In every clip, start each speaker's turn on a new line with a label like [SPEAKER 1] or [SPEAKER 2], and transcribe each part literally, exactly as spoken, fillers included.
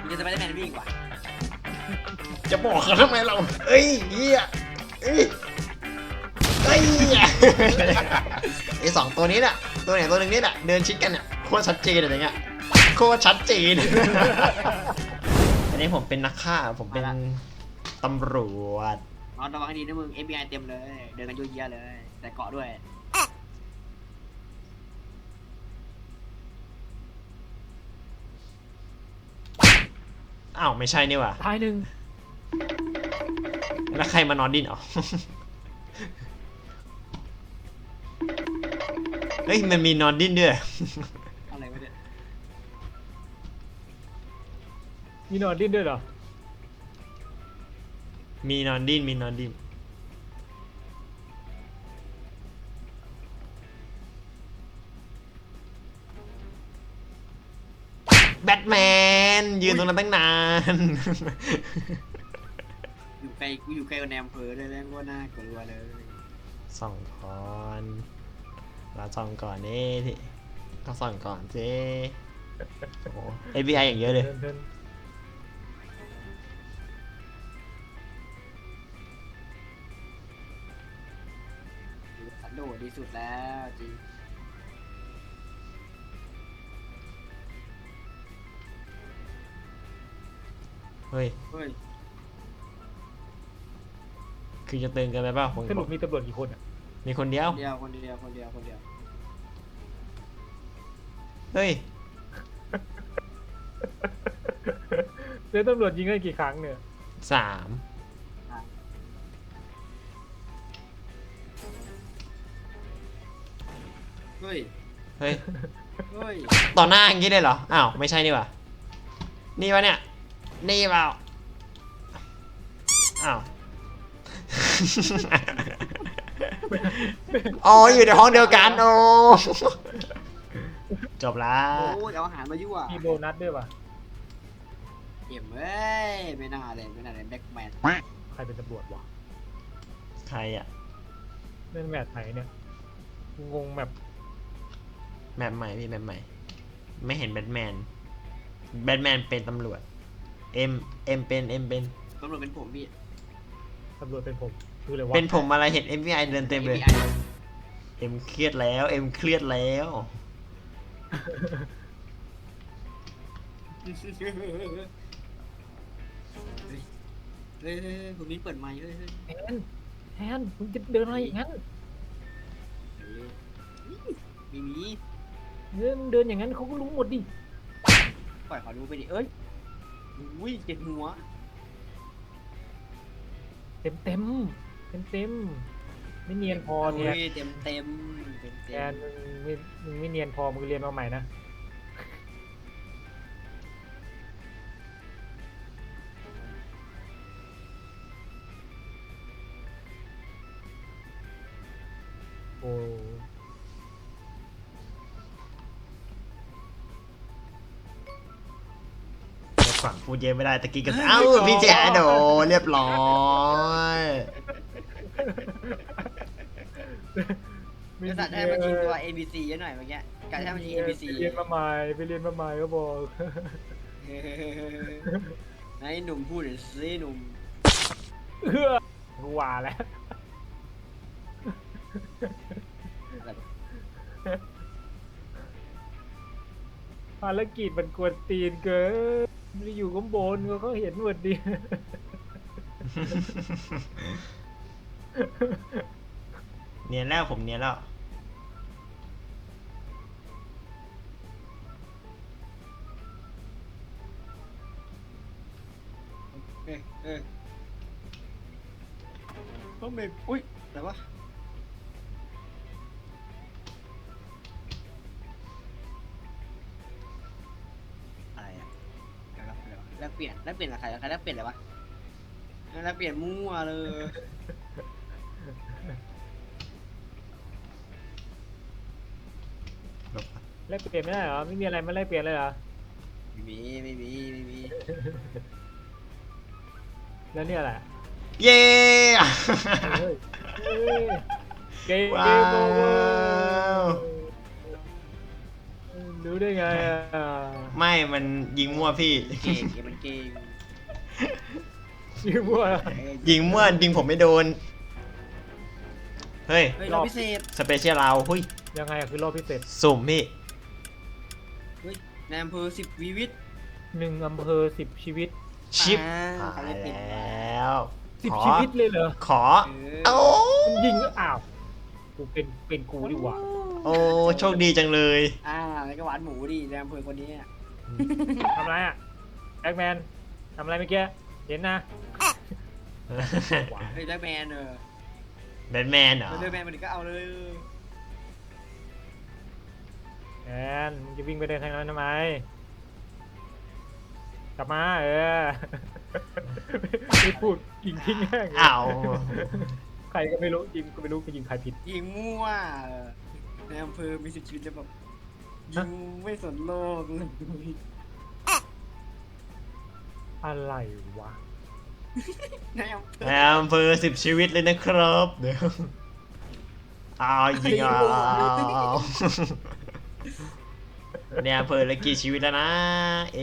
[SPEAKER 1] จะสไปเดอร์แมนวิ่งกว่า
[SPEAKER 2] จะบอกเขาทำไมเราเอ้ยเฮียเอ้ยเอ้ยไอสองตัวนี้น่ะตัวไหนตัวหนึ่งนี่แหละเดินชิดกันเนี่ยโคตรชัดเจนอะไรเงี้ยโคตรชัดเจนอันนี้ผมเป็นนักฆ่าผมเป็นตำรวจ
[SPEAKER 1] นอนระวังให้ดีนะมึง เอฟ บี ไอ เต็มเลย เดินกันเยอะแยะเลย แต่เกาะด้วย
[SPEAKER 2] อ้าวไม่ใช่นี่ว่ะ
[SPEAKER 3] ท้ายหนึ่ง
[SPEAKER 2] แล้วใครมานอนดินอ๋อเฮ้ยมันมีนอนดินด้วย
[SPEAKER 1] อะไรวะเนี่ย
[SPEAKER 3] มีนอนดิ้นด้วยเหรอ
[SPEAKER 2] มีนอนดินมีนอนดินแบทแมนยืนตรงนั้นตั้งนาน
[SPEAKER 1] อยู่ไกลกูอยู่ไกลกว่าแนมเพอเลยแล้วก็น่ากลัวเลย
[SPEAKER 2] ส่องก่อนเราส่องก่อนนี่ที่ก็ส่องก่อนสิโอ้โห เอฟ บี ไอ อย่างเยอะเลย
[SPEAKER 1] สันโดษดีสุดแล้วจริง
[SPEAKER 2] เฮ้ย
[SPEAKER 1] เฮ้ย
[SPEAKER 2] คือจะเตือนกันไปเปล่าผม
[SPEAKER 3] สรุปมีตำรวจกี่คนอ่ะ
[SPEAKER 2] มีคนเดียว
[SPEAKER 1] คนเดียวคนเดียวคนเดียวคนเดียว
[SPEAKER 2] เฮ้ย
[SPEAKER 3] แล้วตำรวจยิงกันกี่ครั้งเนี่ย
[SPEAKER 2] สาม
[SPEAKER 1] เฮ้ย
[SPEAKER 2] เฮ้ย
[SPEAKER 1] เฮ้ย
[SPEAKER 2] ต่อหน้าอย่างนี้เลยเหรอ อ้าว ไม่ใช่นี่ว่ะนี่วะเนี่ย นี่เปล่า อ้าว อ๋อ อยู่ในห้องเดียวกันโอ้จบละ
[SPEAKER 1] โอ้ยเอาอาหารมายั่ว
[SPEAKER 3] มีโบนัสด้วยป่ะ
[SPEAKER 1] เอ็มเอ้ยไม่น่าเลยไม่น่าเลยแบ็คแมน
[SPEAKER 3] ใครเป็นตำรวจวะ
[SPEAKER 2] ใครอะ
[SPEAKER 3] เล่นแมทไหนเนี่ยงงแบบ
[SPEAKER 2] แมปใหม่พี่แมปใหม่ ไม่เห็นแบทแมน แบทแมนเป็นตำรวจ เอ็ม เอ็มเป็น เอ็มเป็น
[SPEAKER 1] ตำรวจเป็นผมพี่
[SPEAKER 3] ตำรวจเป็นผมคืออะไรวะ
[SPEAKER 2] เป็นผมอะไรเห็น เอฟ บี ไอ เดินเต็มเลย เอ็มเครียดแล้ว เอ็มเครียดแล้ว
[SPEAKER 1] เฮ้ยเฮ้ยผมนี้เปิดไมค์เฮ้ยเฮ้ย
[SPEAKER 3] แทนแทนมึงจะเดินอะไรอย่างนั้น
[SPEAKER 1] มีมี
[SPEAKER 3] เดินเดินอย่างนั้นเขาก็รู้หมดดิ
[SPEAKER 1] ปล่อยเขาดูไปดิเอ้ยอุ้ยเจ็บหัว
[SPEAKER 3] เต็มเต็มเต็มเต็มไม่เนียนพอเนี่ย
[SPEAKER 1] เต็มเต็มเต็ม
[SPEAKER 3] แทนมึงไม่มึงไม่เนียนพอมึงเรียนมาใหม่นะโอ้
[SPEAKER 2] ฝั่งพูดเยอะไม่ได้ตะกี้กันเอ้าพี่แจ๊ดโดเรียบร้อย
[SPEAKER 1] จะตัดให้มันชิงตัว เอ บี ซี เยอะหน่อยเมื่อกี้การให้มันชิง เอ บี ซี
[SPEAKER 3] ไปเรียนมาใหม่ไปเรียนมาใหม่ก็บอก
[SPEAKER 1] นายหนุ่มพูดหน่อยสิหนุ่ม
[SPEAKER 3] เออกูว่าแล้วภารกิจมันกวนตีนเกินมันอยู่ข้างบนเขาเห็นหมดดิ
[SPEAKER 2] เนียนแล้วผมเนียนแล้ว
[SPEAKER 1] เออเออต้องเบรกอุ้ยแต่ว่าอะไรอะแลกเปลี่ยนแลกเปลี่ยนกับใครใครแลกเปลี่ยนอะไรวะแลกเปลี่ยนมั่วเลย
[SPEAKER 3] แลกเปลี่ยนไม่ได้เหรอไม่มีอะไรมาแลกเปลี่ยนเลยเหรอ
[SPEAKER 1] ไม่มีไม่มีไม่มี
[SPEAKER 3] แล้วเนี่ยแหละ
[SPEAKER 2] เย้
[SPEAKER 3] เกม
[SPEAKER 2] ว้าว
[SPEAKER 3] ดูรู้ได้ไงอ่ะ
[SPEAKER 2] ไม่มันยิงมั่วพี่
[SPEAKER 1] เก่งเกมมันเก่ง
[SPEAKER 3] ชื่อว่า
[SPEAKER 2] ยิงมั่วยิงผมไม่โดน เฮ้ย
[SPEAKER 1] เฮ้ยเราพิเศษ
[SPEAKER 2] สเปเชียลเราเฮ้ย
[SPEAKER 3] ยังไงอะคือรอบพิเศษ
[SPEAKER 2] สุ่มพี่
[SPEAKER 1] เฮ้ยในอำเภอสิบวีวิต
[SPEAKER 3] หนึ่งอำเภอสิบชีวิต
[SPEAKER 2] ชิป
[SPEAKER 1] อ่า
[SPEAKER 2] หาย
[SPEAKER 1] เขาเรียกติด
[SPEAKER 2] แล้ว
[SPEAKER 3] สิบ
[SPEAKER 2] ขอ
[SPEAKER 3] ชีวิตเลยเหรอ
[SPEAKER 2] ขอ
[SPEAKER 1] เอ
[SPEAKER 2] เอ้า
[SPEAKER 1] อ
[SPEAKER 3] มันยิงก็อ้าวกูเป็นเป็นกูดีกว่า
[SPEAKER 2] โอ้โชคดีจังเลย
[SPEAKER 1] อ่าแล้วก็หวานหมูดิในอำเภอคนนี้อะ
[SPEAKER 3] ทำอะไรอ่ะแบ็กแมนทำอะไรเมื่อกี้เห็นนะ
[SPEAKER 1] เฮ้ยแบทแมนเออ
[SPEAKER 2] แบทแมนเหรอ
[SPEAKER 1] แบทแมนมันก็เอาเลย
[SPEAKER 3] แอนมึงจะวิ่งไปเดินทางนั้นทำไมกลับมาเออไม่พูดยิงทิ้งแห้ง
[SPEAKER 2] อ้าว
[SPEAKER 3] ใครก็ไม่รู้ยิงก็ไม่รู้ไปยิงใครผิด
[SPEAKER 1] ยิงมั่วเออในอำเภอมีสิบชีวิตแล้วแบบยิงไม่สนโลกเลย
[SPEAKER 3] อะไรวะ
[SPEAKER 1] ในอำเภอ
[SPEAKER 2] ในอำเภอสิบชีวิตเลยนะครับเดี๋ยวเอายิงเอาในอำเภอเหลือกี่ชีวิตแล้วนะ เอ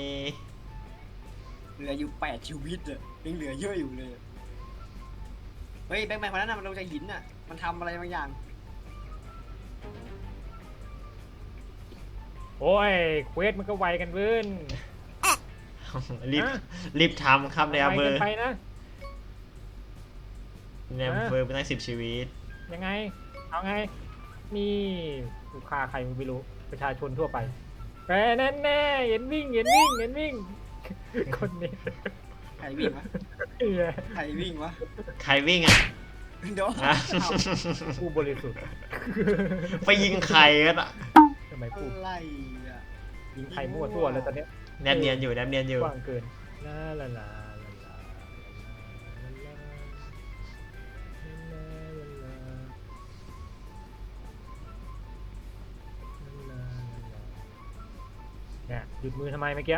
[SPEAKER 1] เหลืออยู่แปดชีวิตอะยังเหลือเยอะอยู่เลยเฮ้ยแบทแมนคนนั้นน่ะมันลงจากหินน่ะมันทำอะไรบางอย่าง
[SPEAKER 3] โอ้ยเควสมันก็ไวกันเว้น
[SPEAKER 2] รีบ
[SPEAKER 3] ฮะ
[SPEAKER 2] รีบทำครับในอำเภ
[SPEAKER 3] ไว
[SPEAKER 2] อ
[SPEAKER 3] กันไปนะ
[SPEAKER 2] ในอำเภอเป็นตั้งสิบชีวิต
[SPEAKER 3] ยังไงเอาไงนี่กูฆ่าใครไม่รู้ประชาชนทั่วไปแน่แน่แน่เห็นวิ่งเห็นวิ่งเห็นวิ่ง คนนี้
[SPEAKER 1] ใครวิ่งวะ
[SPEAKER 3] เหี้ย
[SPEAKER 1] ใครวิ่งวะ
[SPEAKER 2] ใครวิ่งอ่ะ
[SPEAKER 1] เดี๋ยว
[SPEAKER 2] อ่ะ
[SPEAKER 1] เอา
[SPEAKER 3] ผู้บริสุทธิ์
[SPEAKER 2] ไปยิงใครกันอ่ะ
[SPEAKER 3] ทำไมพูด
[SPEAKER 1] อะไรอ่ะ
[SPEAKER 3] ยิงใครมั่วทั่วแล้วตอนเนี้ย
[SPEAKER 2] แนบเนียนอยู่แนบเนียนอยู่
[SPEAKER 3] กว้างเกินลาลาลาลาลาเนี่ยหยุดมือทำไมเมื่อกี้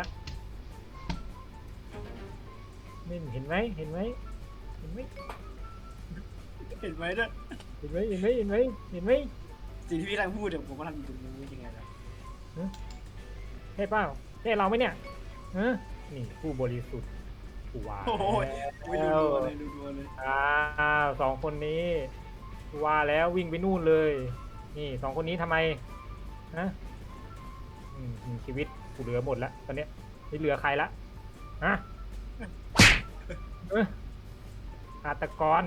[SPEAKER 3] นี่เห็นไหมเห็นไหมเห็นไหม
[SPEAKER 1] เห็นไหมเนี่ย
[SPEAKER 3] เห็นไหมเห็นไหมเห็นไหมเห็นไหม
[SPEAKER 1] สิ่งที่พี่กำลังพูดเดี๋ยวผมกำลังอยู่ตรงนี้ยังไงล่ะ
[SPEAKER 3] ใช่เปล่าใช่เราไหมเนี่ยฮะนี่ผู้บริสุทธิ์ผู้ว่า
[SPEAKER 1] โอ้ยไม่
[SPEAKER 3] แล้
[SPEAKER 1] ดู
[SPEAKER 3] ว
[SPEAKER 1] ตัวเลยดูตัวเลย
[SPEAKER 3] อ้าวสองคนนี้ว่าแล้ววิ่งไปนู่นเลย นี่สองคนนี้ทำไมฮะอืมอืมชีวิตกูเหลือหมดแล้วตอนเนี้ยไม่เหลือใครละฮะเอ้ยฆาตกร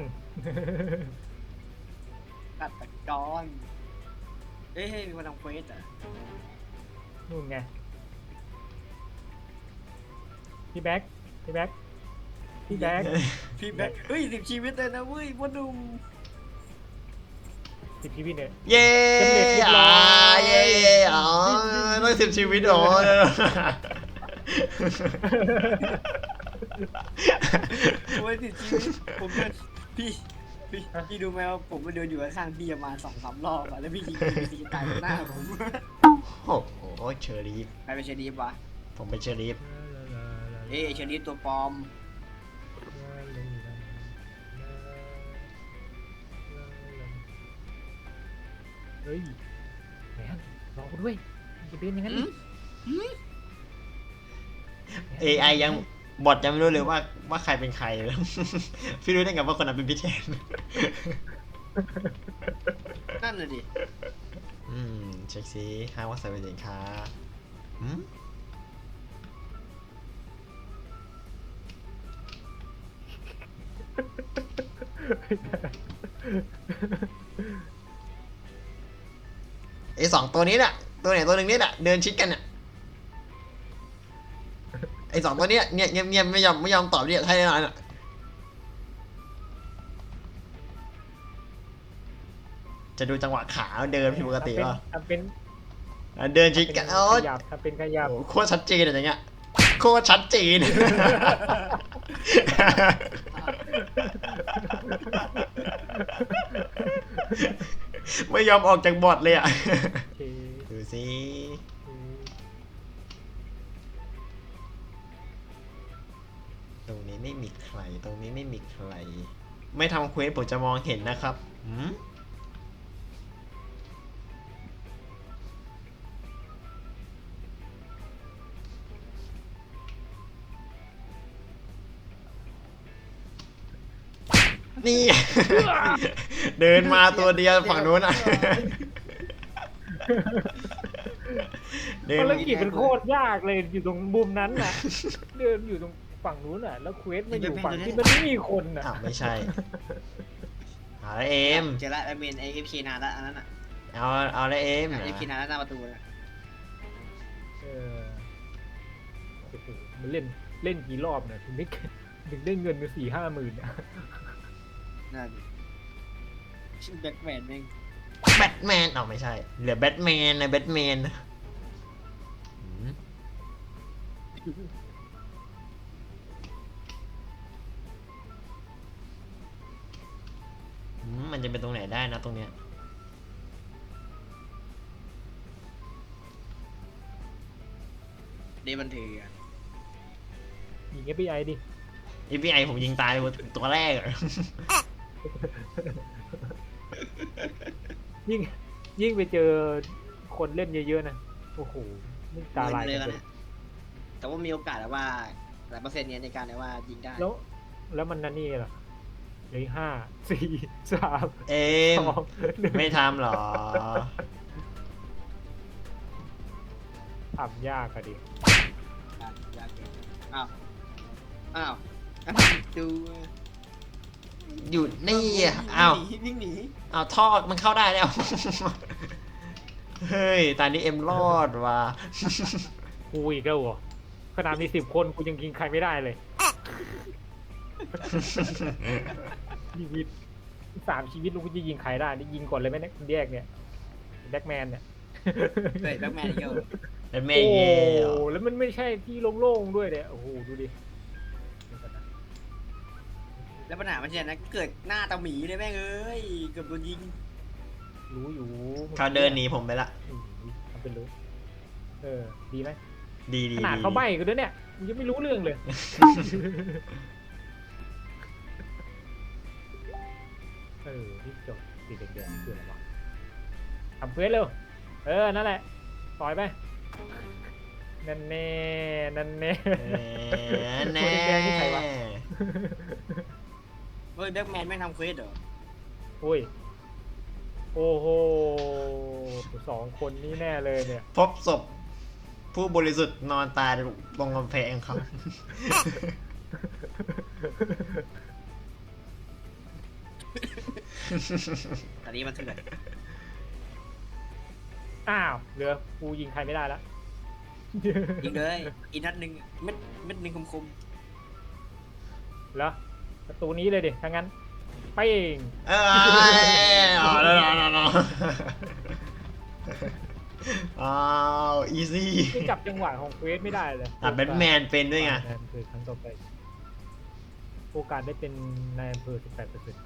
[SPEAKER 1] กัดตะกอนเอ้ยมีคนทำเควสอ่ะ
[SPEAKER 3] นู่นไงพี่แบ็คพี่แบ็คพี่แบ็ค
[SPEAKER 1] พี่แบ็คเฮ้ยสิบชีวิตเลยนะเว้ยพ่อหนุ่ม
[SPEAKER 3] สิบชีวิตเนี่ย
[SPEAKER 2] เย้
[SPEAKER 3] สำเร็จเรียบร้
[SPEAKER 2] อ่า
[SPEAKER 3] อย
[SPEAKER 2] เย้อ๋อต้องสิบชีวิตอ๋อ
[SPEAKER 1] โอ้ยสิบชีวิตผมเดินพี่พี่พี่ดูไหมว่าผมมาเดินอยู่ข้างๆพี่ประมาณสองสามรอบอะแล้วพี่ยิงพี่ตีตายหน้าผม
[SPEAKER 2] โอ้โหเชอรีฟ
[SPEAKER 1] ใครเป็นเชอรีฟวะ
[SPEAKER 2] ผมเป็นเชอรีฟ
[SPEAKER 1] เอ้ยเชอรีฟตัวปลอม
[SPEAKER 3] เฮ้ยแมนรอกูด้วยจะเป็นอย่างนั้นดิ
[SPEAKER 2] เอไอยังบอทยังไม่รู้เลยว่าว่าใครเป็นใครเลย พี่รู้ได้ไงว่าคนนั้นเป็นพี่แทน
[SPEAKER 1] นั่นน่ะดิ
[SPEAKER 2] อืมเช็คซิห้างว่าใส่เป็นสินค้าอืมไอสองตัวนี้น่ะ ตัวไหนตัวหนึ่งนี่น่ะเดินชิดกันน่ะไอสองตัวเนี้ยเนี่ยเงียบๆไม่ยอมไม่ยอมตอบเนี่ยให้แน่นอนอ่ะจะดูจังหวะขาเดินผิดปกติป่ะ
[SPEAKER 3] ทำเป็น
[SPEAKER 2] อ่ะเดินชิดกัน
[SPEAKER 3] ทำ
[SPEAKER 2] โอ้
[SPEAKER 3] เป็นขยับทำเป็นขยับ
[SPEAKER 2] โหโคตรชัดเจนอะไรเงี้ยโคตรชัดเจน ไม่ยอมออกจากบอทเลยอ่ะ
[SPEAKER 3] โอเค
[SPEAKER 2] ดูสิ ตรงนี้ไม่มีใคร ตรงนี้ไม่มีใคร ไม่ทำเควสผมจะมองเห็นนะครับหืมนี่ เดินมาตัวเดียวฝั่งนู้นอ่ะ เดิน
[SPEAKER 3] ภารกิจเป็นโคตรยากเลยอยู่ตรงมุมนั้นน่ะ เดินอยู่ตรงฝั่งนู้นน่ะ แล้วเควสมาอยู่ฝั่งที่มันไม่มีคนน่ะ
[SPEAKER 2] อ้าวไม่ใช่เอาละเอม
[SPEAKER 1] เจอละไอเมนไอเอฟเคนานละอันนั้นอ่ะ
[SPEAKER 2] เอาเอาละเอม
[SPEAKER 1] เอฟเคนานละหน้าประตูนะ
[SPEAKER 3] เออโอ้โหมันเล่นเล่นกี่รอบเนี่ยถึงได้ถึงได้เงินไปสี่ห้าหมื่นอ่ะ
[SPEAKER 1] นั่นชื่อแบ็คแมนแม่ง
[SPEAKER 2] แบทแมนเอาไม่ใช่เหลือแบทแมนนะแบทแมนอืมอืมมันจะเป็นตรงไหนได้นะตรงเนี้ย
[SPEAKER 1] เดบันเทอ
[SPEAKER 3] ยิง เอฟ บี ไอ ดิ
[SPEAKER 2] อีพีไอผมยิงตายเลยตัวแรกอะ
[SPEAKER 3] ยิ่งยิ่งไปเจอคนเล่นเยอะๆนะโอ้โหนี่ตาลาย
[SPEAKER 1] เลย
[SPEAKER 3] กั
[SPEAKER 1] กัน น
[SPEAKER 3] เลย
[SPEAKER 1] นะแต่ว่ามีโอกาสแล้วว่าหลายเปอร์เซ็นต์เนี้ยในการว่ายิงได้
[SPEAKER 3] แล้วแล้วมันนั่นนี่เหรอเหลยห้าสี่สาม
[SPEAKER 2] เอม
[SPEAKER 3] สองหนึ่ง
[SPEAKER 2] ไม่ทำหรอ
[SPEAKER 3] ทำยากอะดิ
[SPEAKER 1] ยากเกินอ้าวอ้าวดู
[SPEAKER 2] อยู่นี่อะอ้าว
[SPEAKER 1] วิ่งหนี
[SPEAKER 2] อ้าวท่อมันเข้าได้แล้ว เฮ้ย ตอนนี้เอ็มรอดว่ะ
[SPEAKER 3] กูอีกแล้วเหรอขนาดมีสิบคนกูยังยิงใครไม่ได้เลยชีวิตสามชีวิตลูกกูจะยิงใครได้นี่ยิงก่อนเลยไหมเนี่ยแยกเนี่ยแบ็กแมนเนี่ย
[SPEAKER 1] เฮ้ยแบ็คแมนเยอะ
[SPEAKER 2] เป็นเม
[SPEAKER 3] โอ้
[SPEAKER 2] ย์เย่
[SPEAKER 3] แล้วมันไม่ใช่ที่โล่งๆด้วยเนี่ยโอ้โหดูดิ
[SPEAKER 1] แล้วปัญหามันจะนะเกิดหน้าตาหมีเลยแม่งเอ้ยเกือบโดนยิง
[SPEAKER 3] รู้อยู่
[SPEAKER 2] เขาเดินหนีผมไปละ
[SPEAKER 3] อืมทำเป็นรู้เออดีไหม
[SPEAKER 2] ดีดี
[SPEAKER 3] ขนาด
[SPEAKER 2] ดี
[SPEAKER 3] เขาใบ้กันด้วยเนี่ยมึงยังไม่รู้เรื่องเลย เออที่จบสีแดงๆคืออะไรวะทำเควสเร็วเออนั่นแหละต่อยไปนั่นแน่นั่นแน่
[SPEAKER 2] เออแน่
[SPEAKER 3] ตัวแดงๆนี่ใครวะ
[SPEAKER 1] เฮ้ยแบ็คแมนไม่งทำเควสเหรอ
[SPEAKER 3] โอ้ยโอ้โหสองคนนี้แน่เลยเนี่ย
[SPEAKER 2] พบศพผู้บริสุทธิ์นอนตายตรงกำแพงครับ
[SPEAKER 1] ตอนนี้มันเถื่อน
[SPEAKER 3] อ้าวเหลือกูยิงใครไม่ได้ละ
[SPEAKER 1] ยิงเลยอีกนัดหนึ่งเม็ดเม็ดหนึ่งคม
[SPEAKER 3] แล้วประตูนี้เลยดิถ้างั้นไปเอง
[SPEAKER 2] เอออ๋อแล้วแล้วแล้วอ้าวอีซี่
[SPEAKER 3] ไม่จับจังหวะของเควสไม่ได้เลย
[SPEAKER 2] อ่ะแบทแมนเป็นด้วยไง
[SPEAKER 3] นายอำเภอครั้งต่อไปโอกาสได้เป็นนายอำเภอสิบแปดเปอร์เซ็นต์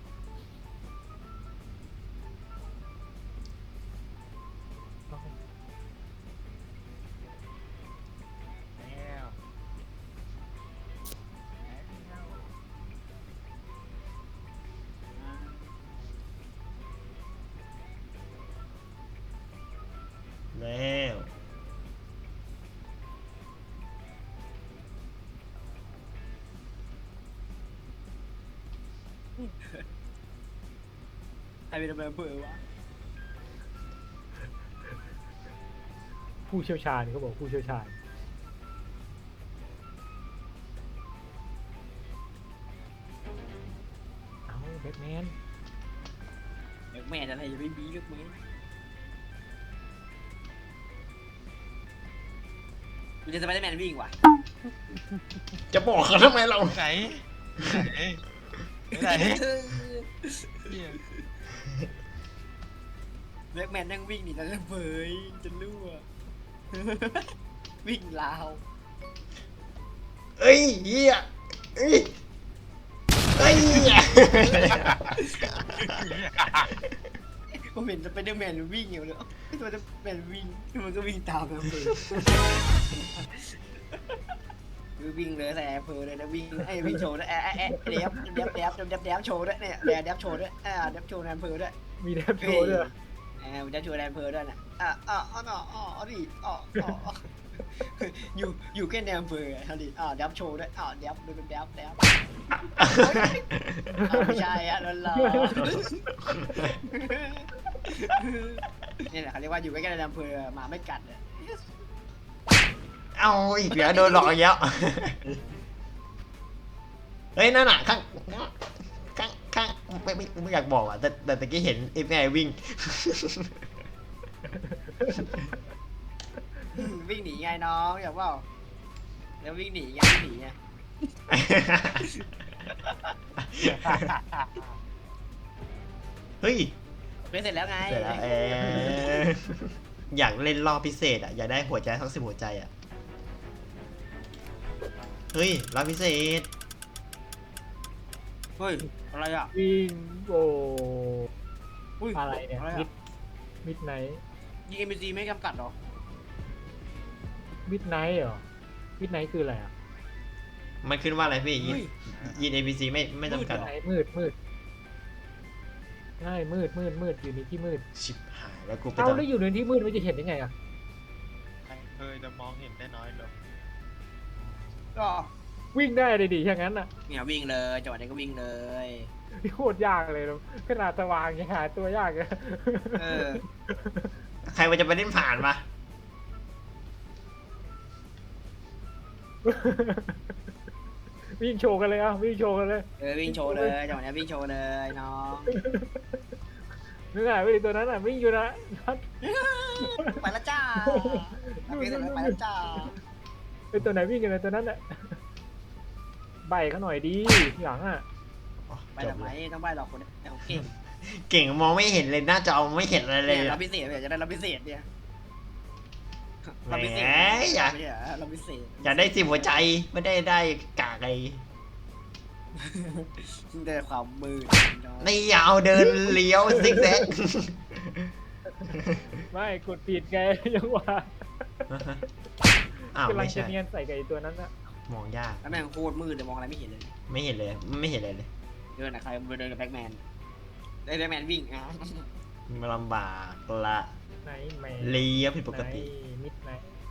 [SPEAKER 2] แล้ว
[SPEAKER 1] ๆใครเป็นอำเภอวะ
[SPEAKER 3] ผู้เชี่ยวชาญเขาบอกผู้เชี่ยวชาญเอาแบทแมน
[SPEAKER 1] แบ็คแมนอะไรจะไม่มีลูกมึงกูจะสไปเดอร์แมนวิ่งว่ะ
[SPEAKER 2] จะบอกเขาทำไมเรา
[SPEAKER 4] ไหนไหนไหน
[SPEAKER 1] แบ็คแมนนั่งวิ่งหนีแล้วเผยจะรั่ว วิ่งลาว
[SPEAKER 2] เอ้ยเหี้ยเอ้ยเอ้ย
[SPEAKER 1] ผมเห็นสไปเดอร์แมนวิ่งอยู่เลยไอ้สไปเดอร์แมนวิ่งมันก็วิ่งตามอำเภอคือวิ่งเลยใส่อำเภอเลยนะวิ่งไอ้วิ่งโชว์ด้วยแอะแอะแอะเดี๋ยวเดี๋ยวเดี๋ยวเดี๋ยวเดี๋ยวโชว์ด้วยเนี่ยเดี๋ยวเดี๋ยวโชว์ด้วยอ่าเดี๋ยวโชว์ในอำเภอด้วย
[SPEAKER 3] มีแดบโชว์ด้วย
[SPEAKER 1] เออเดี๋ยวโชว์ในอำเภอด้วยนะอ่ะอ่ะอ่ะอ่ะอ่ะดิอ่ะอ่ะอยู่อยู่แค่ในอำเภอทำดิอ้าวดับโชว์ด้วยอ้าวดับดูเป็นดับดับไม่ใช่อะนั่นเหรอนี่แหละเขาเรียกว่าอยู่ใกล้ๆในอำเภอหมาไม่กัดเลย
[SPEAKER 2] เอาอีกแล้วโดนหลอกอีกแล้วเฮ้ยนั่นน่ะข้างข้างข้างไม่ไม่ไม่อยากบอกอ่ะแต่แต่ตะกี้เห็นไอ้แม่วิ่ง
[SPEAKER 1] วิ่งหนีไงน้องอยากว่าแล้ววิ่งหนีไงวิ่งหนีไง
[SPEAKER 2] เฮ้ย
[SPEAKER 1] เล่นเสร็จแล้วไง
[SPEAKER 2] เสร็จแล้วเอออยากเล่นรอบพิเศษอ่ะอยากได้หัวใจทั้งสิบหัวใจอ่ะเฮ้ยรอบพิเศษ
[SPEAKER 1] เฮ้ยอะไรอ่ะ
[SPEAKER 3] วิ่งโอ้
[SPEAKER 1] อุ้ย
[SPEAKER 3] อะไรเนี่ย
[SPEAKER 1] อะไร
[SPEAKER 3] มิด
[SPEAKER 1] อ่ะ
[SPEAKER 3] มิดไนท์
[SPEAKER 1] ยิงเอ็มซีไม่จำกัดหรอ
[SPEAKER 3] มิดไนท์เหรอมิดไนท์คืออะไรอ่ะ
[SPEAKER 2] มันขึ้นว่าอะไรพี่ยิน
[SPEAKER 1] เฮ้ย
[SPEAKER 2] ยิน เอ บี ซี ไม่ไม่จำกัด
[SPEAKER 3] มิดไนท์มืดมืดใช่มืดมืดมืดอยู่ในที่มืด
[SPEAKER 2] ชิบหายแล้วกูไป
[SPEAKER 3] เอา
[SPEAKER 2] ทำ
[SPEAKER 3] แล้วอยู่ในที่มืดมันจะเห็นยังไงอ่ะ
[SPEAKER 4] เคยจะมองเห็นได้น้อยลง
[SPEAKER 1] ก็
[SPEAKER 3] วิ่งได้เลยดิอย่างนั้นอ่ะ
[SPEAKER 1] เนี่ยวิ่งเลยจังหวะนี้ก็วิ่งเลย
[SPEAKER 3] โคตรยากเลยนะขนาดสว่างยังหาตัวยากเลย
[SPEAKER 1] เออ
[SPEAKER 2] ใครมันจะไปเล่นผ่านมา
[SPEAKER 3] วิ่งโชว์กันเลยอ่ะวิ่งโชว์กันเลย
[SPEAKER 1] เออวิ่งโชว์เลยจังหวะนี้วิ่งโชว์เลยน้อง
[SPEAKER 3] นึกไงไปดิตัวนั้นอ่ะวิ่งอยู่นะนัด
[SPEAKER 1] ไปแล้วจ้าไปแล้วไปแล้วจ้า
[SPEAKER 3] เป็นตัวไหนวิ่งกันเลยตัวนั้นอ่ะใบเขาหน่อยดีหลังอ่ะ
[SPEAKER 1] ไปทำไมต้องไปหรอกคนเดียวเก่ง
[SPEAKER 2] เก่งมองไม่เห็นเลยหน้าจอไม่เห็นอะไรเลย
[SPEAKER 1] เนี่ย
[SPEAKER 2] อะ
[SPEAKER 1] รับพิเศษเนี่ยจะได้รับพิเศษเนี่ย
[SPEAKER 2] แหม
[SPEAKER 1] รับพิเศษ
[SPEAKER 2] อยาก
[SPEAKER 1] ไม่ใช่เหรอรับพิเศษ
[SPEAKER 2] อยากได้สิบหัวใจไม่ได้ได้กากไอ้
[SPEAKER 1] ได้ความมืดน้อง
[SPEAKER 2] ในยาวเดินเลี้ยวซิกแซก
[SPEAKER 3] ไม่กดผิดไง ยังว่า
[SPEAKER 2] อ้าว
[SPEAKER 3] กำลั
[SPEAKER 2] ไม่
[SPEAKER 3] งจะ
[SPEAKER 2] ใช่
[SPEAKER 3] เนียนใส่กับไอ้ตัวนั้นอ่ะ
[SPEAKER 2] มองยาก
[SPEAKER 1] แล้วแม่งโคตรมืดเลยมองอะไรไม่เห็นเลย
[SPEAKER 2] ไม่เห็นเลยไม่เห็นเลยเลย
[SPEAKER 1] เดินอะใครไปเดินกับแบ็กแมนได้แบ็กแมนวิ่งอ่ะ
[SPEAKER 2] มันลำบากละ
[SPEAKER 3] ไหนแมน
[SPEAKER 2] เลี้ยวผิดปกติ
[SPEAKER 3] มิดไหน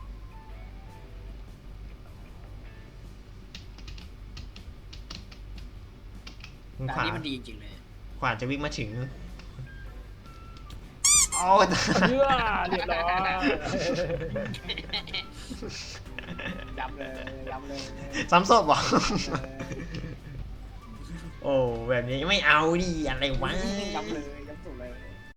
[SPEAKER 1] แต่
[SPEAKER 2] ข
[SPEAKER 1] อัน
[SPEAKER 2] วา
[SPEAKER 1] นี้มันดีจริงๆเลย
[SPEAKER 2] ขวาจะวิ่งมาถึงโอ้
[SPEAKER 3] เชื่อเรียบร้อย
[SPEAKER 1] ยำเลยยำเลย
[SPEAKER 2] ซ้ำศพเหรอ
[SPEAKER 1] เออ
[SPEAKER 2] โอ้แบบนี้ไม่เอาดิอะไรวะ
[SPEAKER 1] ยำเลย